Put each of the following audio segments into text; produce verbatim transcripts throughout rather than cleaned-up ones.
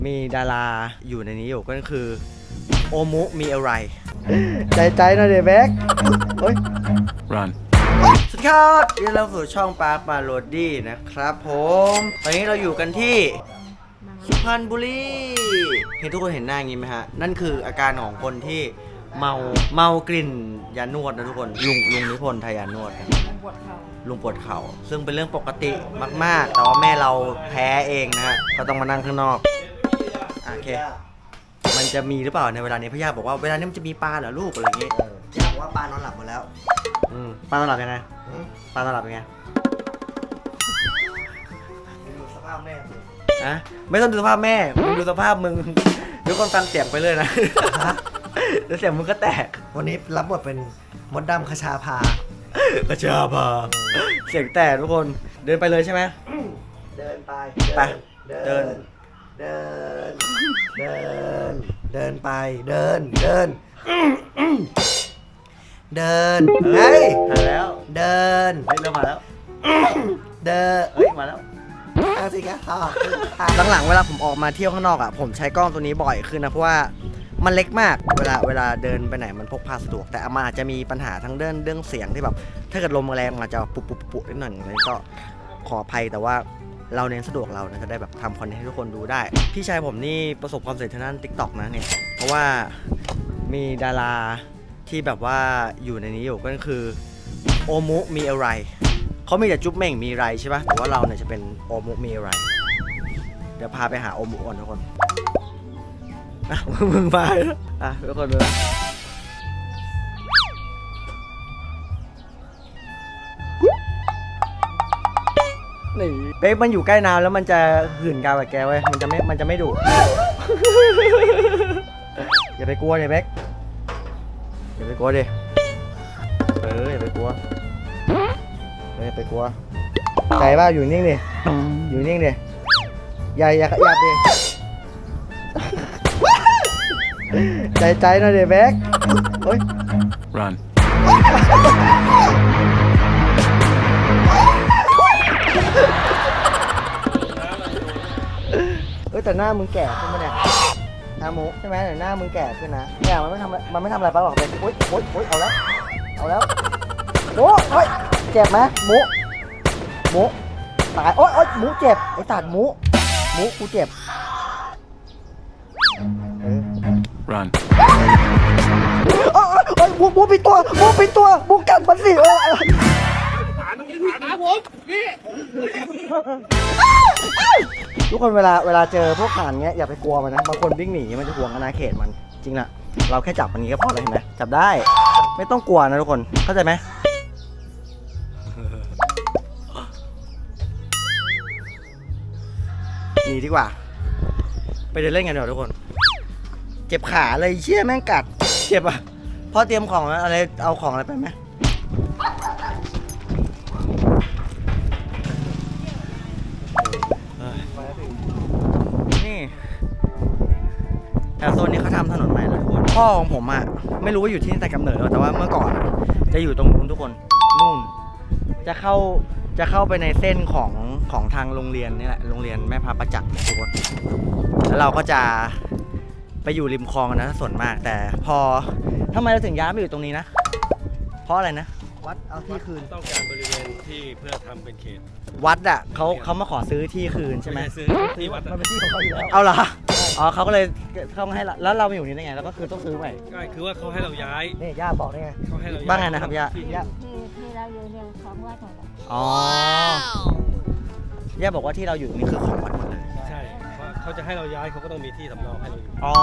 มีดาราอยู่ในนี้อยู่ก็คือโอมุมีอะไรใจใจหน่อยเดแบ็กเฮ้ย run สวัสดีครับยินดีต้อนรับสู่ช่องปาร์คมาโรดี้นะครับผมตอนนี้เราอยู่กันที่สุพรรณบุรีเห็นทุกคนเห็นหน้าอย่างนี้ไหมฮะนั่นคืออาการของคนที่เมาเมากลิ่นยานวดนะทุกคนลุงลุงนิพนธ์ไทยยานวดลุงปวดเข่าลุงปวดเข่าซึ่งเป็นเรื่องปกติมากๆแต่ว่าแม่เราแพ้เองนะฮะก็ต้องมานั่งข้างนอกโอเคมันจะมีหรือเปล่าในเวลานี้พี่ย่าบอกว่าเวลานี้มันจะมีปลาเหรอลูกอะไรอย่างงี้ย่าบอกว่าปลานอนหลับหมดแล้วอืมปลานอนหลับยังไงปลานอนหลับยังไงดูสภาพแม่อะไม่ต้องดูสภาพแม่มึงดูสภาพมึงทุกคนฟังเสียงไปเลยนะแล้วเสียงมึงก็แตกวันนี้รับบทเป็นมดดำคชาพาคชาพาเสียงแตกทุกคนเดินไปเลยใช่ไหมเดินไปไปเดินเดินเดินเดินไปเดินเดินเดินเฮ้ยมาแล้วเดินเฮ้ยเริ่มมาแล้วเดินเฮ้ยมาแล้วเอาสิครับหลังๆเวลาผมออกมาเที่ยวข้างนอกอ่ะผมใช้กล้องตัวนี้บ่อยขึ้นนะเพราะว่ามันเล็กมากเวลาเวลาเดินไปไหนมันพกพาสะดวกแต่มันอาจจะมีปัญหาทั้งเรื่องเรื่องเสียงที่แบบถ้าเกิดลมแรงมันอาจจะปุบปุบปุบนิดหน่อยเลยก็ขออภัยแต่ว่าเราเน้นสะดวกเรานะจะได้แบบทำคอนเทนต์ให้ทุกคนดูได้พี่ชายผมนี่ประสบความสำเร็จทางด้าน ติ๊กต็อก นะเนี่ยเพราะว่ามีดาราที่แบบว่าอยู่ในนี้อยู่ก็คือโอมุมีอะไรเขามีแต่จุ๊บเม่งมีไรใช่ปะแต่ว่าเราเนี่ยจะเป็นโอมุมีอะไรเดี๋ยวพาไปหาโอมุก่อนทุกคนอ่ะมึงมาอ่ะทุกคนดูนะนี่เป๊กมันอยู่ใกล้น้ำแล้วมันจะหื่นกาวกับแกไว้มันจะไม่มันจะไม่ดุ อย่าไปกลัวเลยเป๊กอย่าไปกลัวดิเอออย่าไปกลัวอย่าไปกลัวใจว่าอยู่นิ่งดิอยู่นิ่งดิอย่าอย่าขยับดิใจใจหน่อยดิแบ็คเฮ้ย run เอ้ยแต่หน้ามึงแก่ขึ้นมาเนี่ยหน้ามุใช่ไหมแต่หน้ามึงแก่ขึ้นนะเนี่ยมันไม่ทำมันไม่ทำอะไรป้าหรอกเป็นโอ๊ยโอ๊ยโอ๊ยเอาแล้วเอาแล้วโอ้โอ๊ยเจ็บไหมมุมุตายโอ๊ยโอ๊ยมุเจ็บไอ้ตัดมุมุกูเจ็บ run โอ๊ยโอ๊ยมุมุปิดตัวมุปิดตัวมุกัดมันสิเออทุกคนเวลาเวลาเจอพวกห่านเงี้ยอย่าไปกลัวมันนะบางคนวิ่งหนีมันจะห่วงอาณาเขตมันจริงนะเราแค่จับมันนี้ก็พอแล้วเห็นไหมจับได้ไม่ต้องกลัวนะทุกคนเข้าใจไหมหนีดีกว่าไปเดินเล่นกันเดี๋ยวทุกคนเจ็บขาเลยเชี่ยแม่งกัดเจ็บอ่ะพ่อเตรียมของอะไรเอาของอะไรไปไหมนี่แต่โซนนี้เขาทำถนนใหม่เลยทุกคนพ่อของผมอ่ะไม่รู้ว่าอยู่ที่นี่แต่กำเนิดแล้วแต่ว่าเมื่อก่อนจะอยู่ตรงนู้นทุกคนนู่นจะเข้าจะเข้าไปในเส้นของของทางโรงเรียนนี่แหละโรงเรียนแม่พระประจักษ์ทุกคนแล้วเราก็จะไปอยู่ริมคลองนะส่วนมากแต่พอทำไมเราถึงย้ายมาอยู่ตรงนี้นะเพราะอะไรนะวัดเอาที่คืนต้องการบริเวณที่เพื่อทำเป็นเขตวัดอ่ะเขาเขามาขอซื้อที่คืนใช่ไหมซื้อที่วัดมันเป็นที่ของเขาอยู่แล้วเอาเหรออ๋อเขาก็เลยเขาให้เราแล้วเรามาอยู่นี่ได้ไงแล้วก็คือต้องซื้อใหม่ก็คือว่าเขาให้เราย้ายนี่ย่าบอกได้ไงเขาให้เราบ้างไงนะครับย่าที่ที่เราอยู่เนี่ยของวัดหมดเลยอ๋อย่าบอกว่าที่เราอยู่นี่คือของวัดหมดเลยใช่เขาจะให้เราย้ายเขาก็ต้องมีที่สำรองให้เราอยู่อ๋อ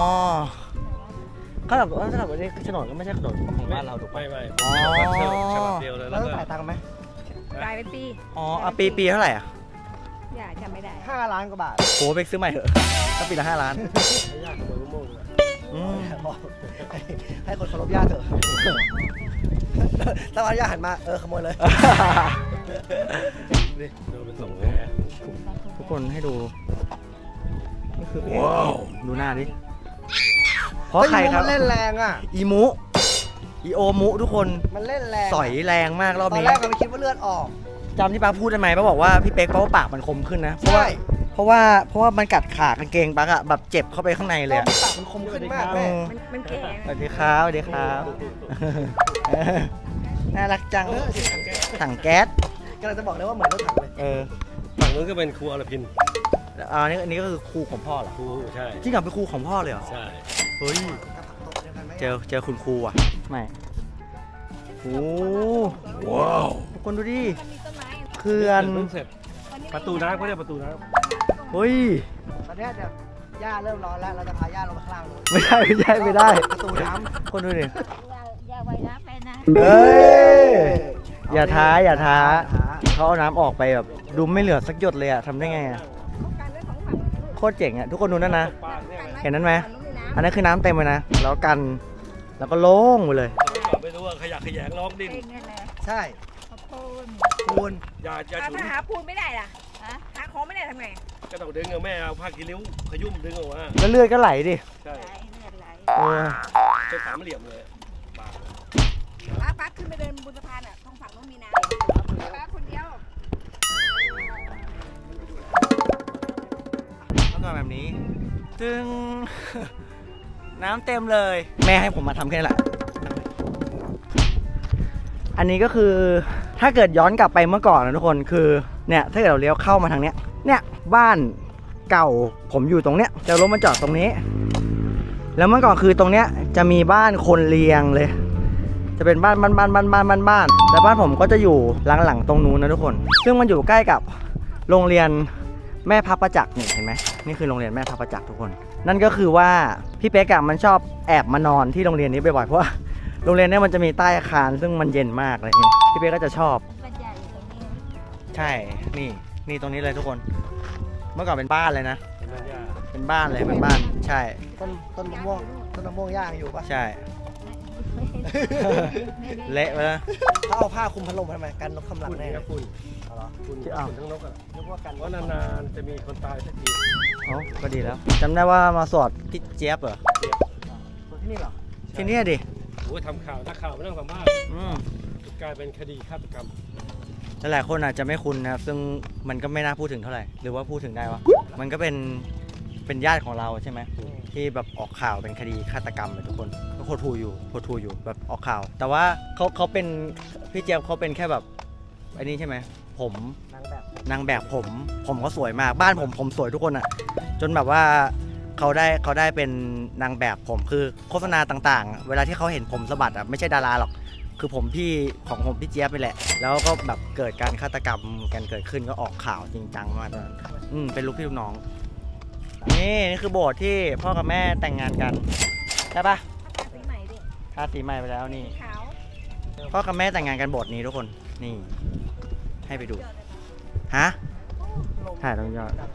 เขาแบบว่าถ้าแบบนี้โฉนดก็ไม่ใช่โฉนดของบ้านเราถูกไหมไม่ไม่อ๋อฉบับเดียวเลยแล้วต้องจ่ายตังค์ไหมจ่ายเป็นปีอ๋อปีปีเท่าไหร่อ่ะอย่าจำไม่ได้ห้าล้านกว่าบาทโหไปซื้อใหม่เถอะถ้าปีละห้าล้านยากขโมยมะม่วงเลยให้คนเคารพญาติเถอะถ้าวันญาติหันมาเออขโมยเลยดูเป็นสองแผลทุกคนให้ดูนี่คือว้าวดูหน้าดิเพราะใครครับมันเล่นแรงอ่ะอีมุอีโอมุทุกคนมันเล่นแรงสอยแรงมากรอบนี้ตอนแรกเราไม่คิดว่าเลือดออกจำที่ป้าพูดได้ไหมป้าบอกว่าพี่เป๊กเพราะว่าปากมันคมขึ้นนะเพราะว่าเพราะว่าเพราะว่ามันกัดขากางเกงปักอะแบบเจ็บเข้าไปข้างในเลยอะปากมันคมขึ้นมากเอแม่อมันมันแข็งสวัสดีครับสวัสดีครับเออน่ารักจังเออถังแก๊สถังแก๊สกำลังจะบอกเลยว่าเหมือนรถถังเลยเออฝั่งนู้นก็เป็นครูอรพินอ่านี่อันนี้ก็คือครูของพ่อเหรอครูใช่จริงเหรอเป็นครูของพ่อเลยเหรอใช่เฮ้ยกับผักตบเดียวกันไหมเจอเจอคุณครูอ่ะไม่โอ้ว้าวทุกคนดูดิมันมีต้นไม้เขื่อนเพิ่งเสร็จประตูน้ำเขาเรียกประตูน้เฮ้ยตอนเนี้ยเดี๋ยวย่าเริ่มร้อนแล้วเราจะพาย่าลงมาข้างล่างเลยไม่ได้ไม่ได้ไม่ได้ประตูน้คนดูดิอย่าอย่าไว้นะไปนะเฮ้ยำอย่าท้าอย่าท้าท้าเขาเอาน้ำออกไปแบบดูไม่เหลือสักหยดเลยอะทำได้ไงอะป้องกันไว้ของฝั่งโคตรเจ๋งอะทุกคนดูนั่นนะำปลาเนี่ยไงเห็นนั้นไหมฝั่งนู้นมีน้ำอันนั้นคือน้ำเต็มเลยนะ แล้วกัน แล้วก็โล่งไปเลยไม่รู้ว่าขยะแขยงร้องดิ้นเป็นไงล่ะใช่ขอบคุณปูนอย่าอย่าถ้าฉุนหาปูนไม่ได้ล่ะฮะหาของไม่ได้ทำไงก็ต้องดึงเอาแม่เอาผ้ากีริ้วขยุ่มดึงออกมาแล้วเลือดก็ไหลดิใช่ไหลเลือดไหลโอ้ยเป็นสามเหลี่ยมเลยปลาป้าป้าขึ้นไปเดินบนสะพานอ่ะตรงฝั่งนู้นมีน้ำป้าคนเดียวแล้วก็แบบนี้จึง น้ำเต็มเลย แม่ให้ผมมาทำแค่นั้นแหละ อันนี้ก็คือถ้าเกิดย้อนกลับไปเมื่อก่อนนะทุกคนคือเนี่ยถ้าเกิดเราเลี้ยวเข้ามาทางเนี้ยเนี่ยบ้านเก่าผมอยู่ตรงเนี้ยจะรถมาจอดตรงนี้ แล้วเมื่อก่อนคือตรงเนี้ยจะมีบ้านคนเรียงเลย จะเป็นบ้านบ้านบ้านบ้านบ้านบ้านบ้านแต่บ้านผมก็จะอยู่หลังๆตรงนู้นนะทุกคน ซึ่งมันอยู่ใกล้กับโรงเรียนแม่พับประจักษ์นี่เห็นไหมนี่คือโรงเรียนแม่พับประจักษ์ทุกคน นั่นก็คือว่าพี่เป๊กอะมันชอบแอบมานอนที่โรงเรียนนี้บ่อยๆเพราะว่าโรงเรียนเนี้มันจะมีใต้อาคารซึ่งมันเย็นมากอะไรอย่างเงี้ยพี่เป๊กก็จะชอบบรรยายอยู่ตรงนี้ใช่นี่นี่ตรงนี้เลยทุกคน เมื่อก่อนเป็นบ้านเลยนะเป็นแม่ย่าเป็นบ้านเลยเป็นบ้านใช่ต้นต้นมะม่วงต้นมะม่วงย่างอยู่ปะใช่ เละไปแล้วเขาเอาผ้าคลุมพัดลมทำไมกันนกคำลังฝุ่นแน่เนี่ยฝุ่นเอาเหรอฝุ่นที่อ้าวฝุ่นทั้งนกอ่ะนึกว่ากันเพราะนานๆจะมีคนตายสักทีเอ้าก็ดีแล้วจำได้ว่ามาสอดพี่เจี๊ยบเหรอคนที่นี่เหรอที่นี่ดิโอ้ยทำข่าวนักข่าวไม่ต้องสัมภาษณ์อืมกลายเป็นคดีฆาตกรรมหลายๆคนอาจจะไม่คุ้นนะครับซึ่งมันก็ไม่น่าพูดถึงเท่าไหร่ หรือว่าพูดถึงได้วะมันก็เป็นเป็นญาติของเราใช่ไหมที่แบบออกข่าวเป็นคดีฆาตกรรมเลยทุกคนก็โคตรทูอยู่โคตรทูอยู่แบบออกข่าว แต่ว่าเขาเขาเป็นพี่เจี๊ยบเขาเป็นแค่แบบไอ้นี่ใช่ไหมผมนางแบบนางแบบผมผมก็สวยมากบ้านผมผมสวยทุกคนอะจนแบบว่าเขาได้เขาได้เป็นนางแบบผมคือโฆษณาต่างๆ เวลาที่เขาเห็นผมสะบัดอะไม่ใช่ดาราหรอกคือผมพี่ของผมพี่เจี๊ยบไปแหละ แล้วก็แบบเกิดการฆาตกรรมกันเกิดขึ้นก็ออกข่าวจริงจังมากตอนนั้นอืมเป็นลูกพี่ลูกน้องนี่นี่คือโบสถ์ที่พ่อกับแม่แต่งงานกันใช่ปะทาสีใหม่ดิทาสีใหม่ไปแล้วนี่ขาวพ่อกับแม่แต่งงานกันโบสถ์นี้ทุกคนนี่ให้ไปดูฮะถ่ายตรงยอด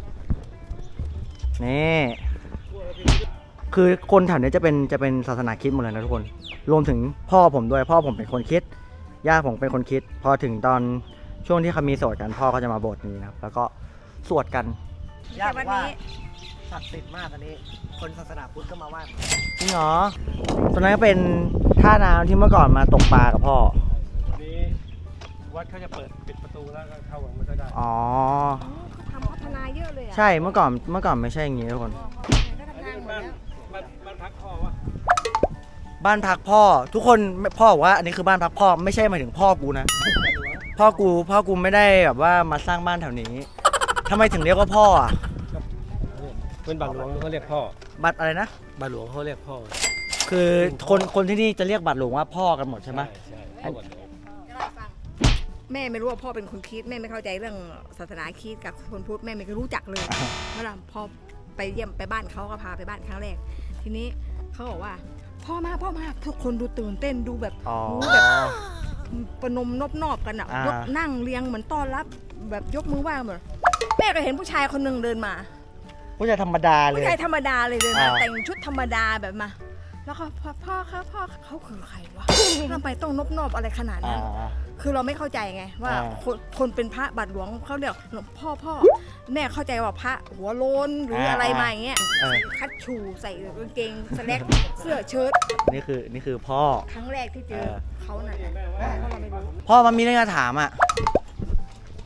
นี่คือคนแถวนี้จะเป็นจะเป็นศาสนาคริสต์หมดเลยนะทุกคน รวมถึงพ่อผมด้วยพ่อผมเป็นคนคริดย่าผมเป็นคนคริดพอถึงตอนช่วงที่เขามีโสวดกันพ่อก็จะมาโบสถ์นี้นะครับแล้วก็สวดกันย่าแต่บอวันกว่านี้ศักดิ์สิทธิ์มากอันนี้ คนศาสนาพุทธก็มาไหว้จริงเหรอตอนนั้นก็เป็นท่าน้ำที่เมื่อก่อนมาตกปลากับพ่อวันนี้วัดเขาจะเปิดปิดประตูแล้วก็เข้าไม่ค่อยได้อ๋อเขาทำพัฒนาเยอะเลยอ่ะใช่เมื่อก่อนเมื่อก่อนไม่ใช่อย่างงี้ทุกคนก็ทำงานหมดบ้านแล้วบ้านบ้านพักพ่อวะบ้านพักพ่อ ทุกคนพ่อบอกว่าอันนี้คือบ้านพักพ่อไม่ใช่หมายถึงพ่อกูนะ พ่อกูพ่อกูไม่ได้แบบว่ามาสร้างบ้านแถวนี้ทำไมถึงเรียกว่าพ่ออ่ะเป็นบาทหลวงเขาเรียกพ่อบัตรอะไรนะบาทหลวงเขาเรียกพ่อคือคนคนที่นี่จะเรียกบัตรหลวงว่าพ่อกันหมดใช่ไหมใช่พ่อบาทหลวงจะเล่าให้ฟังแม่ไม่รู้ว่าพ่อเป็นคนคริดแม่ไม่เข้าใจเรื่องศาสนาคริดกับคนพุทธแม่ไม่เคยรู้จักเลยเมื่อไหร่พอไปเยี่ยมไปบ้านเขาก็พาไปบ้านครั้งแรก ทีนี้เขาบอกว่าพ่อมาพ่อมาทุกคนดูตื่นเต้นดูแบบอ๋อโอ้แบบประนมนบนอบกันอ่ะอ่ายกนั่งเรียงเหมือนต้อนรับแบบยกมือไหว้เหมือนแม่ก็เห็นผู้ชายคนหนึ่งเดินมาผู้ชายธรรมดาเลยผู้ชายธรรมดาเลยเดินมาอ่าแต่งชุดธรรมดาแบบมา แล้วก็พ่อพ่อครับพ่อเขาคือใครวะทำไมต้องนบนอบอะไรขนาดอ่านั้น คือเราไม่เข้าใจไงว่าอ่าคนคนเป็นพระบาทหลวงเขาเรียกหลวงพ่อพ่อแม่เข้าใจว่าพระหัวโลนหรืออะไรมาอย่างเงี้ยเออคัดชูใส่กางเกงสแลกเสื้อเชิ้ตนี่คือนี่คือพ่อครั้งแรกที่เจอเออเขาน่ะเพราะเราไม่รู้พ่อมันมีเรื่องจะถามอ่ะ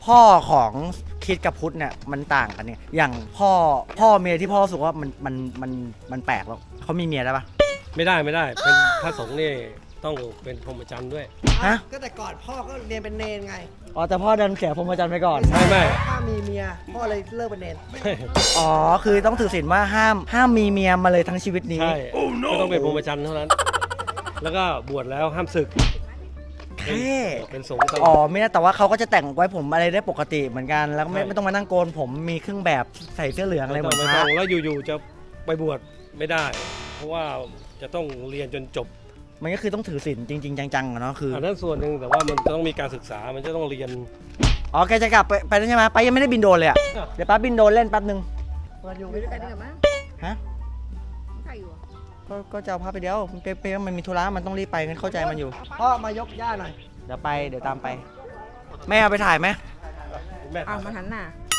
พ่อของคิดกับพุทธเนี่ยมันต่างกันเนี่ยอย่างพ่อพ่อเมียที่พ่อรู้สึกว่ามันมันมันมันแปลกแล้วเขามีเมียได้ปะไม่ได้ไม่ได้เป็นพระสงฆ์นี่ต้องเป็นพรหมจรรย์ด้วยฮะก็แต่ก่อนพ่อก็เรียนเป็นเนนไงอ๋อแต่พ่อดันเสียพรหมจรรย์ไปก่อนไม่ไม่ถ้ามีเมียพ่อเลยเลิกเป็นเนนอ๋อคือต้องถือศีลว่าห้ามห้ามมีเมียมาเลยทั้งชีวิตนี้ใช่ก็ต้องเป็นพรหมจรรย์เท่านั้น แล้วก็บวชแล้วห้ามศึกแค่เป็นสงฆ์ตลอ๋ออดไม่ได้แต่ว่าเขาก็จะแต่งไว้ผมอะไรได้ปกติเหมือนกันแล้วก็ไม่ใช่ไม่ต้องมานั่งโกนผมมีเครื่องแบบใส่เสื้อเหลืองอะไรเหมือนไม่พต้ระองแล้วอยู่ๆจะไปบวชไม่ได้ เพราะว่าจะต้องเรียนจนจบมันก็คือต้องถือศีลจริง ๆ จังๆอะเนาะคืออันนั้นส่วนหนึ่งแต่ว่ามันจะต้องมีการศึกษามันจะต้องเรียนอ๋อแกจะกลับไปไปแล้วใช่ไหมไปยังไม่ได้บินโดรนเลยอะเดี๋ยวป้าบินโดรนเล่นแป๊บนึงอยู่ด้วยกันดีกว่ามั้งฮะใครอยู่อะก็ก็จะเอาพาไปเดียวเป๊ะๆมันมีธุระมันต้องรีบไปงั้นเข้าใจมันอยู่พ่อมายกย่าหน่อยเดี๋ยวไปเดี๋ยวตามไปแม่เอาไปถ่ายไหมแม่เอามาหันหน้า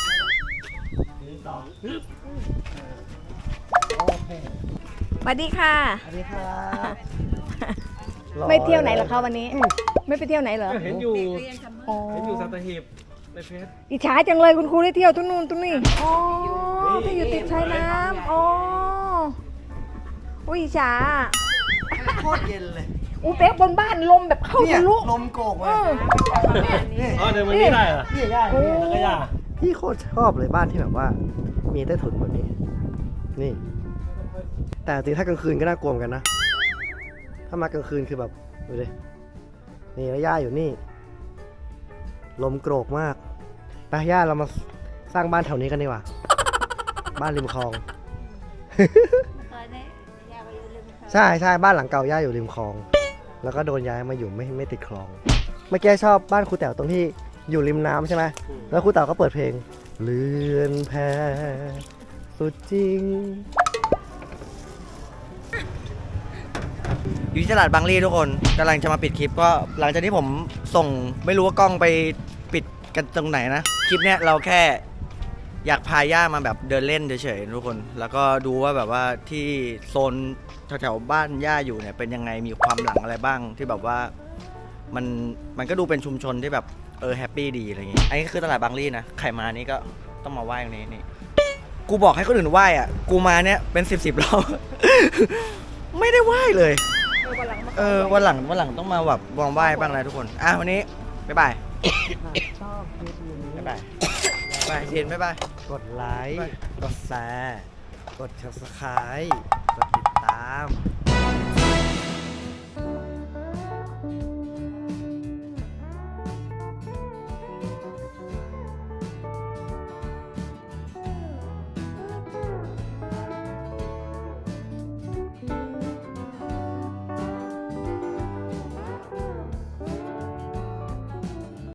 โอเคสวัสดีค่ะสวัสดีครับไม่เที่ยวไหนเหรอคะวันนี้ ไม่ไปเที่ยวไหนเหรอเห็นอยู่อ๋อเห็นอยู่สัตหีบในเฟซอิจฉาจังเลยคุณครูได้เที่ยวทุกนู่นทุกนี่อ๋อที่อยู่ติดชายน้ำอ๋ออุ้ยอิจฉาโคตรเย็นเลยอูเป๊กบนบ้านลมแบบเข้าเนี่ยทะลุลมโกกเลเอย อนี่อ๋อเดินวันนี้ได้เหรอนี่ย่าโอ้นี่แล้วก็ย่าพี่โคตรชอบเลยบ้านที่แบบว่า มีใต้ถุนแบบนี้ นี่ แต่จริงๆถ้ากลางคืนก็น่ากลัวเหมือนกันนะ ถ้ามากลางคืนคือแบบดูดินี่แล้วย่าอยู่นี่ ลมโกรกมากไปย่าเรามาสร้างบ้านแถวนี้กันดีกว่า บ้านริมคลอง ใช่ใช่บ้านหลังเก่าย่าอยู่ริมคลอง แล้วก็โดนย้ายมาอยู่ไม่ไม่ติดคลอง เมื่อกี้ชอบบ้านครูแต๋วตรงที่อยู่ริมน้ำใช่ไหมแล้วครูแต๋วก็เปิดเพลงเลือนแพสุดจริงอยู่ที่ตลาดบางรีทุกคนกำลังจะมาปิดคลิปก็หลังจากที่ผมส่งไม่รู้ว่ากล้องไปปิดกันตรงไหนนะคลิปเนี้ยเราแค่อยากพาย่ามาแบบเดินเล่นเฉยๆทุกคน แล้วก็ดูว่าแบบว่าที่โซนแถวๆบ้านย่าอยู่เนี่ยเป็นยังไงมีความหลังอะไรบ้างที่แบบว่ามันมันก็ดูเป็นชุมชนที่แบบเออแฮปปี้ดีอะไรอย่างงี้อันนี้คือตลาดบางรีนะใครมานี่ก็ต้องมาไหว้ตรงนี้นี่กูบอกให้คนอื่นไหว้อ่ะกูมาเนี่ยเป็นสิบสิบรอบ ไม่ได้ไหว้เลย เออวันหลังวันหลังต้องมาแบบวางไหว้บ้างนะทุกคน อ่ะวันนี้ บ๊ายบายชอบคลิปนี้บ๊ายบายบ๊ายบายเทียนบ๊ายบายกดไลค์ไปกดแชร์ กด subscribe กดติดตาม